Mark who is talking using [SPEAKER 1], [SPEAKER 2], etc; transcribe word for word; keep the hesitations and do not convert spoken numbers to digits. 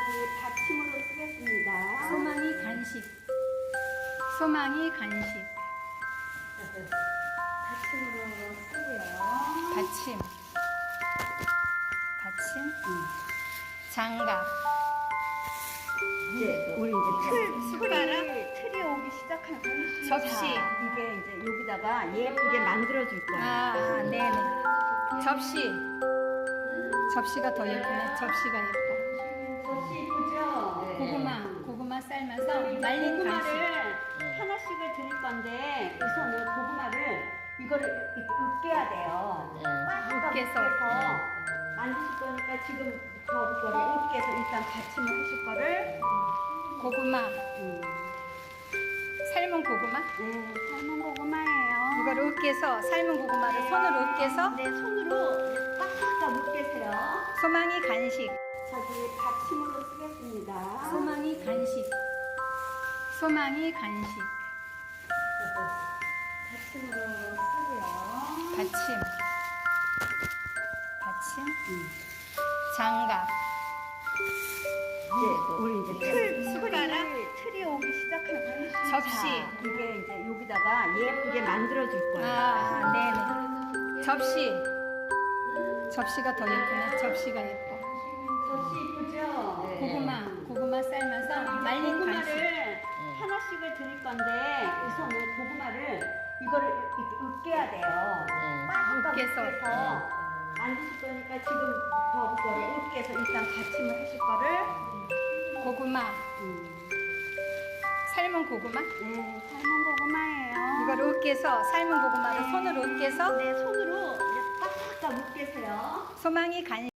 [SPEAKER 1] 저기 받침으로 쓰겠습니다.
[SPEAKER 2] 소망이 간식. 소망이 간식.
[SPEAKER 1] 받침으로 쓰고요.
[SPEAKER 2] 받침. 받침. 음. 장갑.
[SPEAKER 1] 이제 우리 이제 틀,
[SPEAKER 2] 숟가락?
[SPEAKER 1] 틀이, 틀이 오기 시작하는 거예요.
[SPEAKER 2] 접시.
[SPEAKER 1] 자, 이게 이제 여기다가 예쁘게 만들어 줄 거예요.
[SPEAKER 2] 아, 네네. 접시. 접시가 더 예쁘네. 접시가 예뻐.
[SPEAKER 1] 접시 이쁘죠? 네.
[SPEAKER 2] 고구마. 고구마 삶아서 말린 간식.
[SPEAKER 1] 고구마를 하나씩을 드릴 건데 우선은 고구마를 이거를 이렇게 으깨야 돼요. 꽉
[SPEAKER 2] 으깨서.
[SPEAKER 1] 으깨서 만드실 거니까 지금 저 거를 으깨서 일단 받침을 하실 거를
[SPEAKER 2] 고구마.
[SPEAKER 1] 음,
[SPEAKER 2] 삶은 고구마.
[SPEAKER 1] 네, 삶은 고구마예요.
[SPEAKER 2] 이거를 으깨서 삶은 고구마를
[SPEAKER 1] 네.
[SPEAKER 2] 손으로 으깨서
[SPEAKER 1] 네, 손으로 꽉꽉 으깨세요.
[SPEAKER 2] 소망이 간식.
[SPEAKER 1] 저기 받침으로 쓰겠습니다.
[SPEAKER 2] 소망이 간식. 소망이 간식.
[SPEAKER 1] 받침으로 쓰고요.
[SPEAKER 2] 받침. 받침. 장갑.
[SPEAKER 1] 이제 우리 이제 틀,
[SPEAKER 2] 숟가락?
[SPEAKER 1] 틀이, 틀이 오기 시작하는 거예요.
[SPEAKER 2] 접시.
[SPEAKER 1] 자, 이게 이제 여기다가 예쁘게 만들어 줄 거예요.
[SPEAKER 2] 아, 네네. 접시. 접시가 더 예쁘네. 접시가 예뻐.
[SPEAKER 1] 접시 이쁘죠? 네.
[SPEAKER 2] 고구마. 고구마 삶아서 말린 간식.
[SPEAKER 1] 고구마를 하나씩을 드릴 건데 우선은 고구마를 이거를 이렇게 으깨야 돼요. 꽉
[SPEAKER 2] 으깨서.
[SPEAKER 1] 으깨서 만드실 거니까 지금 저 거를 으깨서 일단 받침을 하실 거를
[SPEAKER 2] 고구마.
[SPEAKER 1] 음,
[SPEAKER 2] 삶은 고구마.
[SPEAKER 1] 네, 삶은 고구마예요.
[SPEAKER 2] 이거를 으깨서 삶은 고구마를
[SPEAKER 1] 네.
[SPEAKER 2] 손으로 으깨서
[SPEAKER 1] 네, 손으로 이제 꽉꽉 으깨세요.
[SPEAKER 2] 소망이 간식.